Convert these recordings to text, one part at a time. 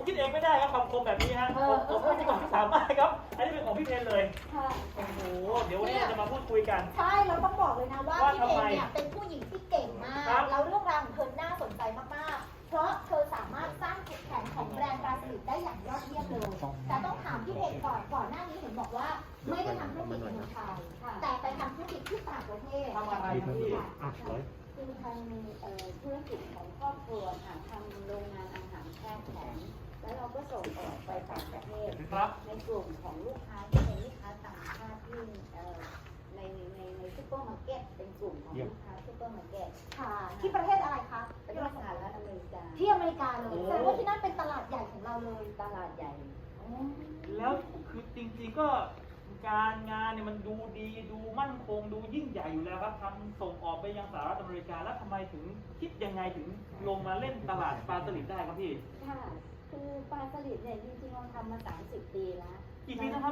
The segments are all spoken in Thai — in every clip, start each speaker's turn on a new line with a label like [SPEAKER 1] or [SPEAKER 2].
[SPEAKER 1] คิดเองไม่ได้ครับคำคมแบบนี้ฮะผมไม่ใช่ของพี่สามารถครับอันนี้เป็นของพี่เพนเลย
[SPEAKER 2] ค่ะ
[SPEAKER 1] โอ้โหเดี๋ยววันนี้เราจะมาพูดคุยกัน
[SPEAKER 2] ใช่เราต้องบอกเลยนะว่า
[SPEAKER 1] ว่า
[SPEAKER 2] พี่เพ
[SPEAKER 1] ทำไม
[SPEAKER 2] นเนี่ยเป็นผู้หญิงที่เก่งมาก
[SPEAKER 1] ครับ
[SPEAKER 2] แล้วเรื่องราวของเธอน่าสนใจมากๆ เพราะเธอสามารถสร้างจุดแข็งของแบรนด์ปลาสลิดได้อย่างยอดเยี่ยมเลย แต่ต้องถามพี่เพนก่อนหน้านี้เห็นบอกว่าไม่ได้ทำธุรกิจในเมืองไทยแต่ไปทำธุรกิจที่ต่างประเทศ
[SPEAKER 1] ทำอะไรครับพี่
[SPEAKER 3] คือทางธุรกิจของครอบครัวค่ะทำโรงงานอาหารแช่แข็งแล้วเราก็ส่งออกไปต่างประเทศ
[SPEAKER 1] ครับ
[SPEAKER 3] ในกลุ่มของลูกค้าที่เป็นลูกค้าต่างชาติที่ในซุปเปอร์มาร์เก็ตเป็นกลุ่มของลูกค้าซุปเปอร์มาร์เก็ต
[SPEAKER 2] ค่ะ ที่ประเทศอะไรคะ
[SPEAKER 3] เป็นสหรัฐอเมริกา
[SPEAKER 2] ที่อเมริกาเลยแสดงว่าที่นั่นเป็นตลาดใหญ่ของเราเลย
[SPEAKER 3] ตลาดใหญ่
[SPEAKER 1] แล้วคือจริงๆก็การงานเนี่ยมันดูดีดูมั่นคงดูยิ่งใหญ่อยู่แล้วครับทำส่งออกไปยังสหรัฐอเมริกาแล้วทำไมถึงคิดยังไงถึงลงมาเล่นตลาดปลาสลิดได้ครับพี่
[SPEAKER 3] ค่ะ คือปลาสลิดเนี่ยจริงๆเราทำมา 30 ปีแล้ว
[SPEAKER 1] กี่ปีนะครับ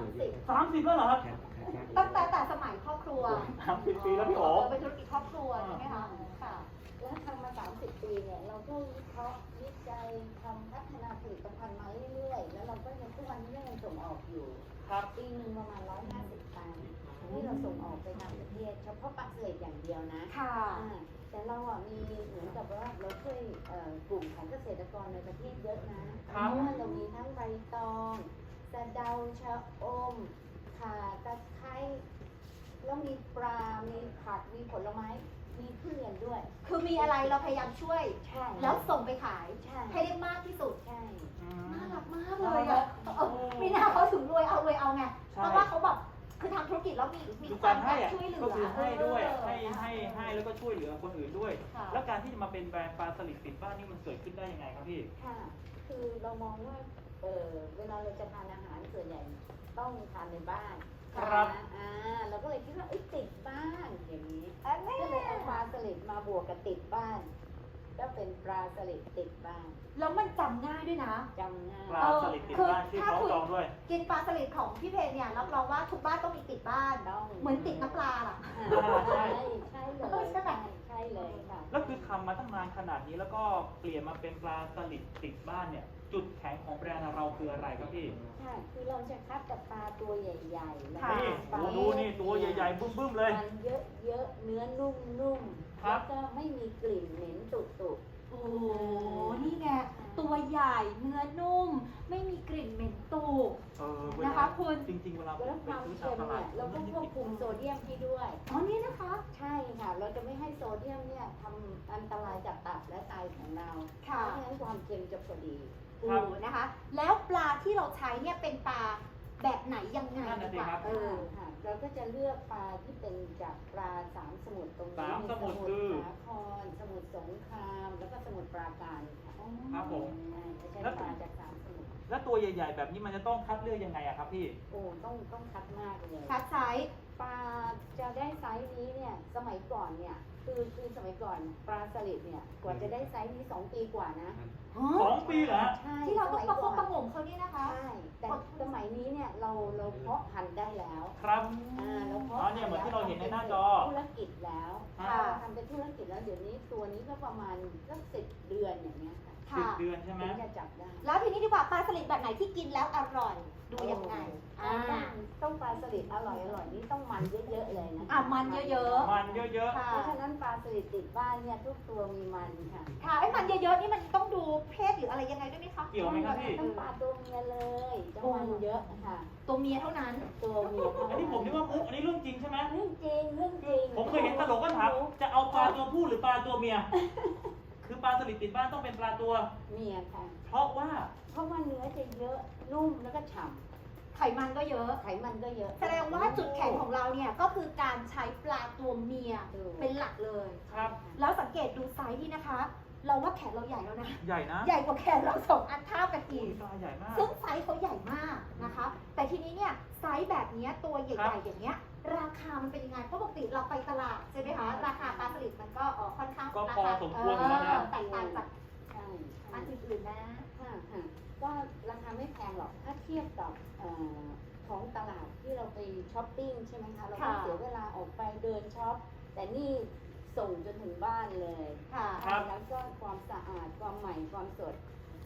[SPEAKER 3] 30
[SPEAKER 1] 30แล้วเหรอครับ
[SPEAKER 2] ตั้งแต่สมัยครอบครัว
[SPEAKER 1] 30 ปีแล้วพี่โอ๋
[SPEAKER 2] เป็นธุรกิจครอบครัวใช่ไหมคะค่ะ
[SPEAKER 3] แล้วทำมา 30 ปีเนี่ย เราก็วิเคราะห์วิจัยทำพัฒนาผลิตภัณฑ์มาเรื่อยๆ แล้วเราก็ยังทุกวันนี้ยังส่งออกอยู่
[SPEAKER 1] ครับ
[SPEAKER 3] ปีหนึ่งประมาณ 150 ตันที่เราส่งออกไปต่างประเทศ เฉพาะปลาสลิดอย่างเดียวนะ
[SPEAKER 2] ค่ะ
[SPEAKER 3] แต่เราอ่ะมีเหมือนกับว่าเราช่วยกลุ่มของเกษตรกรในประเทศเยอะนะเพราะว่าเรามีทั้งใบตองสะเดาชะอมข่าตะไคร้แล้วมีปลา มีผัก มีผลไม้ มีทุเรียนด้วย
[SPEAKER 2] คือมีอะไรเราพยายามช่วย
[SPEAKER 3] ใช่
[SPEAKER 2] แล้วส่งไปขาย
[SPEAKER 3] ใช่
[SPEAKER 2] ให้ได้มากที่สุด
[SPEAKER 3] ใช่
[SPEAKER 2] น่ารักมากเลยอ่ะมีหน้าเขาถึงรวยเอาไง เพราะว่าเขาแบบคือทำธุรกิจแล้วมี
[SPEAKER 1] ดู
[SPEAKER 2] ควา
[SPEAKER 1] การ
[SPEAKER 2] ม
[SPEAKER 1] ให้
[SPEAKER 2] แบบ
[SPEAKER 1] อะ
[SPEAKER 2] ช่วยเหลือ
[SPEAKER 1] ก็คือให้ด้วย
[SPEAKER 2] เออ
[SPEAKER 1] ให้แล้วก็ช่วยเหลือคนอื่นด้วย
[SPEAKER 2] ค่ะ
[SPEAKER 1] แล้วการที่จะมาเป็นแบรนด์ปลาสลิดติดบ้านนี่มันเกิดขึ้นได้ยังไงครับพี่
[SPEAKER 3] ค่ะ คือเรามองว่าเวลาเราจะทานอาหารส่วนใหญ่ต้องทานในบ้าน
[SPEAKER 1] ครับ
[SPEAKER 3] เราก็เลยคิดว่าติดบ้านอย่างนี้
[SPEAKER 2] อันนี้
[SPEAKER 3] ก็เลยเอาปลาสลิดมาบวกกับติดบ้าน ก็เป็นปลาสลิดติดบ้าน
[SPEAKER 2] แล้วมันจำง่ายด้วยนะ
[SPEAKER 3] จำง่าย
[SPEAKER 1] ปลาสลิดติดบ้านชื่อของจองด้วย
[SPEAKER 2] กินปลาสลิดของพี่เพนเนี่ยรับรองว่าทุกบ้านต้องมีติดบ้าน
[SPEAKER 3] ต้อง
[SPEAKER 2] เหมือนติดน้ำปลาล่ะ
[SPEAKER 3] ใช่ใช่เลย
[SPEAKER 2] ใช่ไหม
[SPEAKER 3] ใช่เลยค่ะ
[SPEAKER 1] แล้วคือทำมาตั้งนานขนาดนี้แล้วก็เปลี่ยนมาเป็นปลาสลิดติดบ้านเนี่ย จุดแข็งของแบรนด์เราคืออะไรครับพี่
[SPEAKER 3] ค่ะ คือเราจะคัดกับปลาตัวใหญ่ๆแล้ว
[SPEAKER 2] ค่ะ
[SPEAKER 1] นี่
[SPEAKER 3] ปลา
[SPEAKER 1] ดูนี่ตัวใหญ่ๆบึ้มๆเลย
[SPEAKER 3] มันเยอะๆเนื้อนุ่มๆ
[SPEAKER 1] ครั
[SPEAKER 3] แล้
[SPEAKER 1] บ
[SPEAKER 3] วก็ไม่มีกลิ่นเหม็นตุ่
[SPEAKER 2] โอ้โหนี่ไงตัวใหญ่เนื้อนุ่ม ไม่มีกลิ่นเหม็นตูบ
[SPEAKER 1] เว
[SPEAKER 2] นะ
[SPEAKER 1] ลา
[SPEAKER 2] คะคุณ
[SPEAKER 1] จริงๆเวลา
[SPEAKER 3] ๆ
[SPEAKER 1] ไป
[SPEAKER 3] แล้วความ
[SPEAKER 1] ซื้อ
[SPEAKER 3] เค็
[SPEAKER 1] ตาม
[SPEAKER 3] ม
[SPEAKER 1] ตลา
[SPEAKER 3] เนี่
[SPEAKER 1] ด
[SPEAKER 3] ยเราก็ควบคุมโซเดียมให้ด้วย
[SPEAKER 2] อ๋อนี่นะคะ
[SPEAKER 3] ใช่ค่ะ เราจะไม่ให้โซเดียมเนี่ยทำอันตรายกับตับและไตของเรา เพ
[SPEAKER 2] ค่ะ
[SPEAKER 3] ราะฉะนั้นความเค็มจะพอดี
[SPEAKER 2] โอ้นะคะ แล้วปลาที่เราใช้เนี่ยเป็นปลาแบบไหนยังไง
[SPEAKER 1] นั่นน่ะสิ
[SPEAKER 2] ดีก
[SPEAKER 1] ครั
[SPEAKER 2] ว่า
[SPEAKER 1] บ
[SPEAKER 3] ค่ะ เราก็จะเลือกปลาที่เป็นจากปลาสามสมุทรตรงนี้
[SPEAKER 1] สามสมุทร
[SPEAKER 3] มี
[SPEAKER 1] คือ
[SPEAKER 3] สาครสมุทรสงคราม แล้วก็สมุทรปราการค่ะ
[SPEAKER 1] ครับผม
[SPEAKER 3] จะใช้ปลาจากสามสมุทร
[SPEAKER 1] แล้วตัวใหญ่ๆ แบบนี้มันจะต้องคัดเลือกยังไงอะครับพี่
[SPEAKER 3] โอ้ต้องคัดมากเลย
[SPEAKER 2] คัดไซส์
[SPEAKER 3] ปลาจะได้ไซส์นี้เนี่ยสมัยก่อนเนี่ยคือสมัยก่อนปลาสลิดเนี่ยกว่าจะได้ไซส์นี้2 ปีกว่านะ
[SPEAKER 1] 2 ปีเหรอฮะ
[SPEAKER 3] ใช่
[SPEAKER 2] ที่เราต้องประคบประห
[SPEAKER 3] ส
[SPEAKER 2] งมเขาเนี่ยนะคะ
[SPEAKER 3] ใช่แต่สมัยนี้เนี่ยเราเพาะพันธุ์ได้แล้ว
[SPEAKER 1] ครับ
[SPEAKER 3] เราเพาะ
[SPEAKER 1] อ๋อเนี่ยเหมือนที่เราเห็นในหน้าจอ
[SPEAKER 3] ธุรกิจแล้ว
[SPEAKER 1] ค่ะ
[SPEAKER 3] เราทำเป็นธุรกิจแล้วเดี๋ยวนี้ตัวนี้ก็ประมาณสัก10 เดือนอย่างเงี้ยค่ะ
[SPEAKER 1] สิบ
[SPEAKER 2] ค่ะ
[SPEAKER 1] เดือนใช่ไหม
[SPEAKER 3] ถึงจะจับได้
[SPEAKER 2] แล้วทีนี้ดีกว่าปลาสลิดแบบไหนที่กินแล้วอร่อย ดูยังไง
[SPEAKER 3] ต้องปลาสลิดอร่อยนี่ต้องมันเยอะๆเลยนะ
[SPEAKER 2] มันเยอะ
[SPEAKER 1] มันเยอะ
[SPEAKER 2] ค่ะ
[SPEAKER 3] เพราะฉะนั้นปลาสลิดติดบ้านเนี่ยทุกตัวมีมันค่ะ
[SPEAKER 2] ค่ะไอ้มันเยอะๆนี่มันต้องดูเพศหรืออะไรยังไงด้วยไหมคะ
[SPEAKER 1] ๆ เกี่ยวไหมครับพี่
[SPEAKER 3] ต้องปลาตัวเมียเลยจะมันเยอะค่ะ
[SPEAKER 2] ตัวเมียเท่านั้น
[SPEAKER 3] ตัวเมีย
[SPEAKER 1] อันนี้ผมนึกว่ามุกอันนี้เรื่องจริงใช่ไหม
[SPEAKER 3] เรื่องจริงเรื่องจริง
[SPEAKER 1] ผมเคยเห็นตลกก็ถามจะเอาปลาตัวผู้หรือปลาตัวเมีย คือปลาสลิดติดบ้านต้องเป็นปลาตัว
[SPEAKER 3] เมียค่ะ
[SPEAKER 1] เพราะว่า
[SPEAKER 3] เพราะว่าเนื้อจะเยอะนุ่มแล้วก็ฉ่
[SPEAKER 2] ไขมันก็เยอะ
[SPEAKER 3] ำไขมันก็เยอะ
[SPEAKER 2] แสดงว่าจุดแข็งของเราเนี่ยก็คือการใช้ปลาตัวเมียเป็นหลักเลย
[SPEAKER 1] ครับ
[SPEAKER 2] แล้วสังเกตดูไซส์นี่นะคะ เราว่าแขนเราใหญ่แล้วนะ
[SPEAKER 1] ใหญ่นะ
[SPEAKER 2] ใหญ่กว่าแขนเรา2 อันเท่ากันอีก
[SPEAKER 1] ปลาใหญ่มาก
[SPEAKER 2] ซึ่งไซส์เขาใหญ่มากนะคะ แต่ทีนี้เนี่ยไซส์แบบเนี้ยตัวให
[SPEAKER 1] ครั
[SPEAKER 2] ญ่
[SPEAKER 1] บ
[SPEAKER 2] ๆอย่างเงี้ยราคามันเป็นยังไง เพราะปกติเราไปตลาดใช่ไหมคะ ราคาปลาสลิดมันก็ค่อนข้าง
[SPEAKER 1] ก็
[SPEAKER 2] รา
[SPEAKER 1] พอ
[SPEAKER 2] คา
[SPEAKER 1] สมควรอยู่แล้วนะ
[SPEAKER 2] แตกต่างจาก
[SPEAKER 3] ใช่
[SPEAKER 2] อันอื่นๆนะ
[SPEAKER 3] ค่ะก็ราคาไม่แพงหรอกถ้าเทียบกับของตลาดที่เราไปช้อปปิ้งใช่ไหมคะเราก็
[SPEAKER 2] ค่ะ
[SPEAKER 3] เสียเวลาออกไปเดินช็อปแต่นี่ส่งจนถึงบ้านเลย
[SPEAKER 2] ค่ะ
[SPEAKER 1] ครับ
[SPEAKER 3] แล้วก็ความสะอาดความใหม่ความสด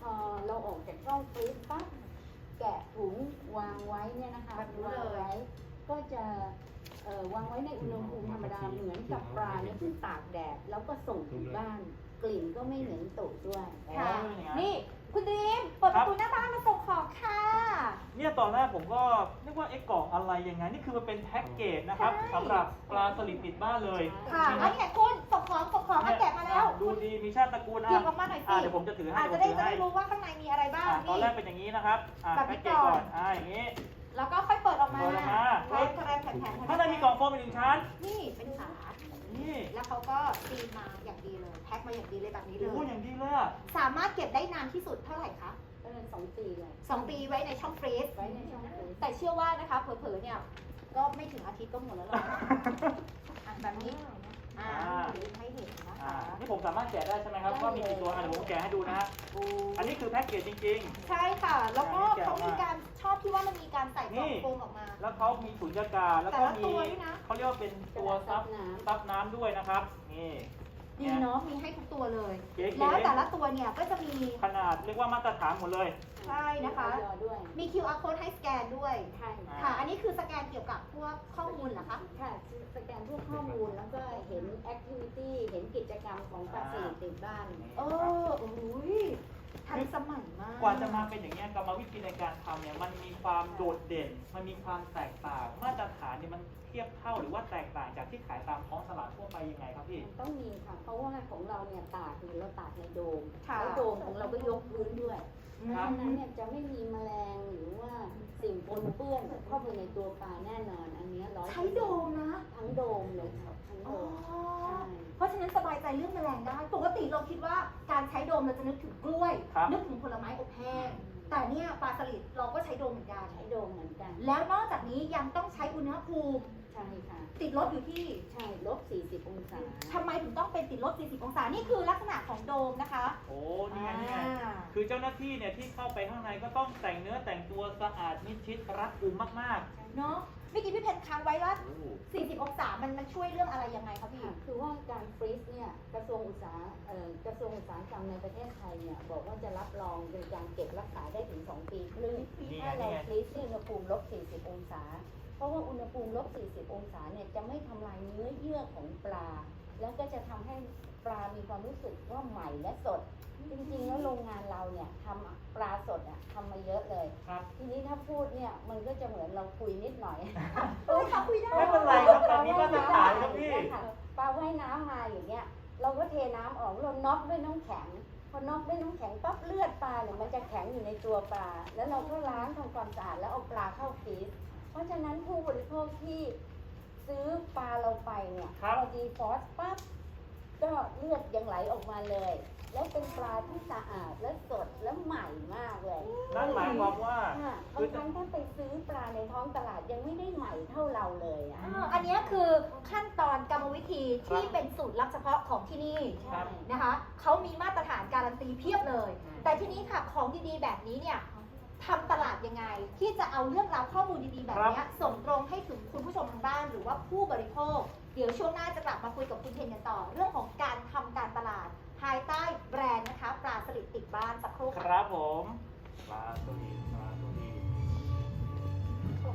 [SPEAKER 3] พอเราออกจากช่องฟรีซปั๊บแกะถุงวางไว้เนี่ยนะคะ
[SPEAKER 2] แบบนี้
[SPEAKER 3] วาง
[SPEAKER 2] เลย
[SPEAKER 3] ไว้ก็จะวางไว้ในอุณหภูมิธรรมดาเหมือนกับปลาเนี่ยที่ตากแดดแล้วก็ส่งถึงบ้าน กลิ่นก็ไม่เหม็นตุด้วย
[SPEAKER 2] ค่ะ
[SPEAKER 1] อ๋ออย่างนั้น
[SPEAKER 2] นี่คุณดีมเปิดประตูหน้าบ้านมาส่งของค่ะ
[SPEAKER 1] เนี่ยตอนแรกผมก็นึกว่ากล่องอะไรยังไงนี่คือมันเป็นแพ็กเกจนะครับ
[SPEAKER 2] ใช่
[SPEAKER 1] สำหรับปลาสลิดติดบ้านเลย
[SPEAKER 2] ค่ะ
[SPEAKER 1] นี่
[SPEAKER 2] อัน
[SPEAKER 1] นะ
[SPEAKER 2] นี้ไงคุณส่งของมาแกะมาแล้ว
[SPEAKER 1] ดูดีมีชาติตระกูล
[SPEAKER 2] หยิบออกมาหน่อยสิ
[SPEAKER 1] เดี๋ยวผมจะถือให้
[SPEAKER 2] อาจ
[SPEAKER 1] เดี๋
[SPEAKER 2] จะ
[SPEAKER 1] ยวผม
[SPEAKER 2] ได้
[SPEAKER 1] ถือให้
[SPEAKER 2] รู้ว่าข้างในมีอะไรบ้าง
[SPEAKER 1] ตอน
[SPEAKER 2] นี่
[SPEAKER 1] แรกเป็นอย่างนี้นะครับ
[SPEAKER 2] แบบนี้
[SPEAKER 1] แพ็กเกจ
[SPEAKER 2] ก่
[SPEAKER 1] ก่
[SPEAKER 2] อ
[SPEAKER 1] อน นอย่างนี้
[SPEAKER 2] แล้วก็ค่อยเปิดออกมา
[SPEAKER 1] เปิดออกมา
[SPEAKER 2] แผ่นแผ่นแผ่นแผ่น
[SPEAKER 1] ข้างในมีกล่องโฟมอีกหนึ่งชั้น
[SPEAKER 2] นี่เป็นฝา
[SPEAKER 1] นี่
[SPEAKER 2] แล้วเขาก็ซีลมาอย่างดีเลย แพ็คมาอย่างดีเลยแบบนี้เล
[SPEAKER 1] โอ้
[SPEAKER 2] ย
[SPEAKER 1] อย่างดีเลยอะ
[SPEAKER 2] สามารถเก็บได้นานที่สุดเท่าไหร่คะ
[SPEAKER 3] ก็เลย2 ปีเลย
[SPEAKER 2] 2 ปีไว้ในช่องฟรีซ
[SPEAKER 3] ไว้ในช่องฟรีซ
[SPEAKER 2] แต่เชื่อว่านะคะเผลอๆเนี่ยก็ไม่ถึงอาทิตย์ก็หมดแล้วหรอกอ่ะแบบนี้ให้เห็นนะคะ
[SPEAKER 1] นี่ผมสามารถแกะได้ใช่ไหมครับว่ามีกี่ตัวเดี๋ยวผมแกะให้ดูนะฮะอันนี้คือแพ็กเกจจริง
[SPEAKER 2] ใช่ค่ะ แล้วก็เขามีการชอบที่ว่ามันมีการใส่กล่องโฟมออกมา
[SPEAKER 1] ๆ แล้วเขามีสุญญากาศแล้วก็
[SPEAKER 2] แต่ละ
[SPEAKER 1] มี
[SPEAKER 2] ตัวด้วยนะ
[SPEAKER 1] เขาเรียกว่าเป็นตัวซับน้ำด้วยนะครับนี่
[SPEAKER 2] ดีเนาะมีให้ทุกตัวเลย
[SPEAKER 1] เก๋ๆ
[SPEAKER 2] แล้วแต่ละตัวเนี่ยก็จะมี
[SPEAKER 1] ขนาดเรียกว่ามาตรฐานหมดเลย
[SPEAKER 2] ใช่นะคะ
[SPEAKER 3] มีออยด้วย
[SPEAKER 2] มี QR code ให้สแกนด้วย
[SPEAKER 3] ใช่
[SPEAKER 2] ค่ะ อันนี้คือสแกนเกี่ยวกับพวกข้อมูลเหรอคะ
[SPEAKER 3] ค่ะสแกนพวกข้อมูลแล้วก็เห็นแอคทิวิตี้เห็นกิจกรรมของปลาสลิดติดบ้าน
[SPEAKER 2] โอ้ยทันสมัยมาก
[SPEAKER 1] กว่าจะมาเป็นอย่างนี้ยกรรมวิธีในการทำเนี่ยมันมีความโดดเด่น มันมีความแตกต่าง มาตรฐานเนี่ยมันเทียบเท่าหรือว่าแตกต่างจากที่ขายตามท้องตลาดทั่วไปยังไงครับพี่
[SPEAKER 3] ต้องมีค่ะ เพราะว่าของเราเนี่ยตากเราตากในโดม
[SPEAKER 2] ค่ะ
[SPEAKER 3] แล้วโดมของเราก็ยกพื้นด้วย เพ
[SPEAKER 1] ครั
[SPEAKER 3] ราะ
[SPEAKER 1] บ
[SPEAKER 3] ฉะนั้นเนี่ยจะไม่มีแมลงหรือว่าสิ่งปนเปื้อนเข้าไปในตัวปลาแน่นอน อันเนี้100%
[SPEAKER 2] ใช้โดมนะ
[SPEAKER 3] ทั้งโดมเลยค่ะทั้งโด
[SPEAKER 2] อ๋อ
[SPEAKER 3] ม ใช่
[SPEAKER 2] เพราะฉะนั้นสบายใจเรื่องแมลงได้ ปกติเราคิดว่าการใช้โดมเราจะนึกถึงกล้วย
[SPEAKER 1] ครับ
[SPEAKER 2] นึกถึงผลไม้อบแห้ง แต่เนี่ยปลาสลิดเราก็ใช้โดมเหมือนกัน
[SPEAKER 3] ใช้โดมเหมือนกัน
[SPEAKER 2] แล้วนอกจากนี้ยังต้องใช้อุณหภูมิ
[SPEAKER 3] ใช่ค่ะ
[SPEAKER 2] ติดลบอยู่ที่
[SPEAKER 3] ใช่ลบ40 องศา
[SPEAKER 2] ทำไมถึงต้องเป็นติดลบ 40 องศา นี่คือลักษณะของโดมนะคะ
[SPEAKER 1] โอ้นี่ไงนี่ไงคือเจ้าหน้าที่เนี่ยที่เข้าไปข้างในก็ต้องแต่งเนื้อแต่งตัวสะอาดมิดชิดรัดกุมมาก
[SPEAKER 2] เนาะเมื่อกี้พี่เพนค้างไว้ว่า
[SPEAKER 1] ๆโอ้
[SPEAKER 2] 40 องศามันช่วยเรื่องอะไรยังไงคะพี่
[SPEAKER 3] ค่ะคือว่าการฟรีซเนี่ยกระทรวงอุตสาหกรรมในประเทศไทยเนี่ยบอกว่าจะรับรองในการเก็บรักษาได้ถึง 2 ปีครึ่ง
[SPEAKER 1] นี่ไง
[SPEAKER 3] ถ้าเรา
[SPEAKER 1] นี่ไง
[SPEAKER 3] ฟรีซที่อุณหภูมิลบ 40 องศา เพราะว่าอุณหภูมิลบ 40 องศาเนี่ยจะไม่ทำลายเนื้อเยื่อของปลา แล้วก็จะทำให้ปลามีความรู้สึกว่าใหม่และสด จริงๆแล้วโรงงานเราเนี่ยทำปลาสดอ่ะทำมาเยอะเลย
[SPEAKER 1] ครับ
[SPEAKER 3] ทีนี้ถ้าพูดเนี่ยมันก็จะเหมือนเราคุยนิดหน่อย
[SPEAKER 2] โอ้ยค่ะคุยได้
[SPEAKER 1] ไม่เป็นไรครับแบบนี้มาตรฐานครับพี่
[SPEAKER 3] ปลาว่ายน้ำมาอย่างเงี้ย เราก็เทน้ำออกเราน็อกด้วยน้ำแข็ง พอน็อกด้วยน้ำแข็งปั๊บเลือดปลาเนี่ยมันจะแข็งอยู่ในตัวปลา แล้วเราก็ล้างทำความสะอาดแล้วเอาปลาเข้าฟรีซ เพราะฉะนั้นผู้บริโภคที่ซื้อปลาเราไปเนี่ย
[SPEAKER 1] ครับ
[SPEAKER 3] พอดีฟอสปั๊บก็เลือดยังไหลออกมาเลย แล้วเป็นปลาที่สะอาดและสดและใหม่มากเลย
[SPEAKER 1] นั่นหมายความว่า
[SPEAKER 3] ค่ะ
[SPEAKER 1] คื
[SPEAKER 3] บา
[SPEAKER 1] อ
[SPEAKER 3] งครั้งถ้าไปซื้อปลาในท้องตลาดยังไม่ได้ใหม่เท่าเราเลยอ่ะ
[SPEAKER 2] อันนี้คือขั้นตอนกรรมวิธีที่เป็นสูตรลับเฉพาะของที่นี่
[SPEAKER 1] ครับ
[SPEAKER 2] นะคะ เขามีมาตรฐานการันตีเพียบเลย แต่ทีนี้ค่ะของดีๆแบบนี้เนี่ยทำตลาดยังไง ที่จะเอาเรื่องราวข้อมูลดีๆแบบเนี้ยส่งตรงให้ถึงคุณผู้ชมทางบ้านหรือว่าผู้บริโภค เดี๋ยวช่วงหน้าจะกลับมาคุยกับคุณเทนกันต่อ เรื่องของการทำการตลาดภายใต้แบรนด์นะคะปลาสลิดติดบ้านสักครู่
[SPEAKER 1] ค
[SPEAKER 2] ค่ะ
[SPEAKER 1] รับผมปลาสลิดปลา